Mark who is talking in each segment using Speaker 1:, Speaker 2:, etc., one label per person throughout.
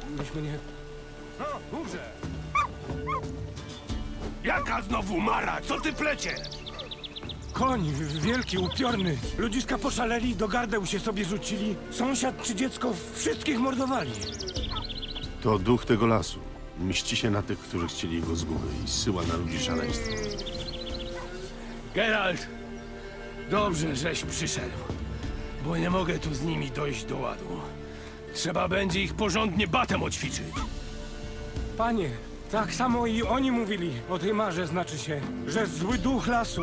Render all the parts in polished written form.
Speaker 1: myśmy nie...
Speaker 2: No, mówże! Jaka znowu mara? Co ty plecie?
Speaker 1: Koń, wielki, upiorny. Ludziska poszaleli, do gardeł się sobie rzucili. Sąsiad czy dziecko, wszystkich mordowali.
Speaker 3: To duch tego lasu. Mści się na tych, którzy chcieli go zguby i zsyła na ludzi szaleństwo.
Speaker 2: Geralt, dobrze, żeś przyszedł, bo nie mogę tu z nimi dojść do ładu. Trzeba będzie ich porządnie batem oćwiczyć.
Speaker 1: Panie, tak samo i oni mówili o tej marze, znaczy się, że zły duch lasu.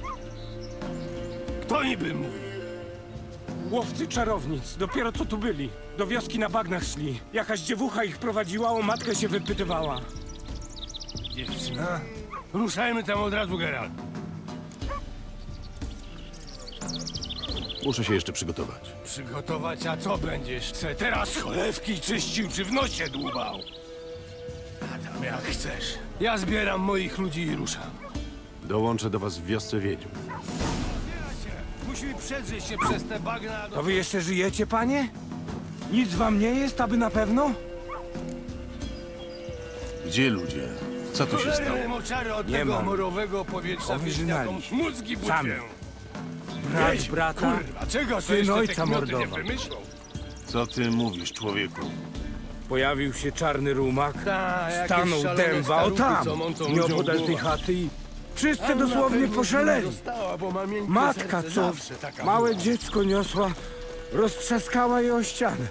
Speaker 2: Kto niby mówi?
Speaker 1: Łowcy czarownic, dopiero co tu byli. Do wioski na bagnach szli. Jakaś dziewucha ich prowadziła, o matkę się wypytywała.
Speaker 2: Dziewczyna? Ruszajmy tam od razu, Geralt.
Speaker 3: Muszę się jeszcze przygotować.
Speaker 2: Przygotować, a co będziesz? Chce teraz cholewki czyścił czy w nosie dłubał? A tam jak chcesz. Ja zbieram moich ludzi i ruszam.
Speaker 3: Dołączę do was w wiosce wiedźm.
Speaker 2: Musimy przedrzeć się przez te bagna do...
Speaker 1: To wy jeszcze żyjecie, panie? Nic wam nie jest, aby na pewno?
Speaker 3: Gdzie ludzie? Co tu się stało?
Speaker 2: Cholerny moczary od
Speaker 1: Nie
Speaker 2: tego
Speaker 1: mam.
Speaker 2: morowego powietrza
Speaker 1: Powyżynali.
Speaker 2: wieśniakom mózgi
Speaker 1: Sami.
Speaker 2: butwią.
Speaker 1: Brat
Speaker 2: Weź,
Speaker 1: brata,
Speaker 2: Kurwa, czego to
Speaker 1: syn
Speaker 2: jeszcze
Speaker 1: ojca
Speaker 2: te kmioty nie
Speaker 1: mordował.
Speaker 2: wymyślą?
Speaker 3: Co ty mówisz, człowieku?
Speaker 1: pojawił się czarny rumak,
Speaker 2: Ta, jakieś
Speaker 1: stanął
Speaker 2: szalone
Speaker 1: dęba, o
Speaker 2: staruchy,
Speaker 1: tam,
Speaker 2: co mącą
Speaker 1: nieopodal
Speaker 2: ludziom
Speaker 1: tej
Speaker 2: głowa.
Speaker 1: chaty i wszyscy
Speaker 2: A na
Speaker 1: dosłownie
Speaker 2: pewno
Speaker 1: poszaleli.
Speaker 2: została, bo ma miękkie
Speaker 1: Matka,
Speaker 2: serce,
Speaker 1: co
Speaker 2: zawsze taka
Speaker 1: małe
Speaker 2: była.
Speaker 1: dziecko niosła, roztrzaskała je o ścianę.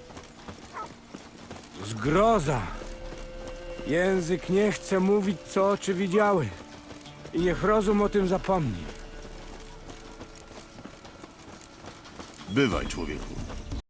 Speaker 1: Zgroza. Język nie chce mówić, co oczy widziały. I niech rozum o tym zapomni.
Speaker 3: Bywaj, człowieku.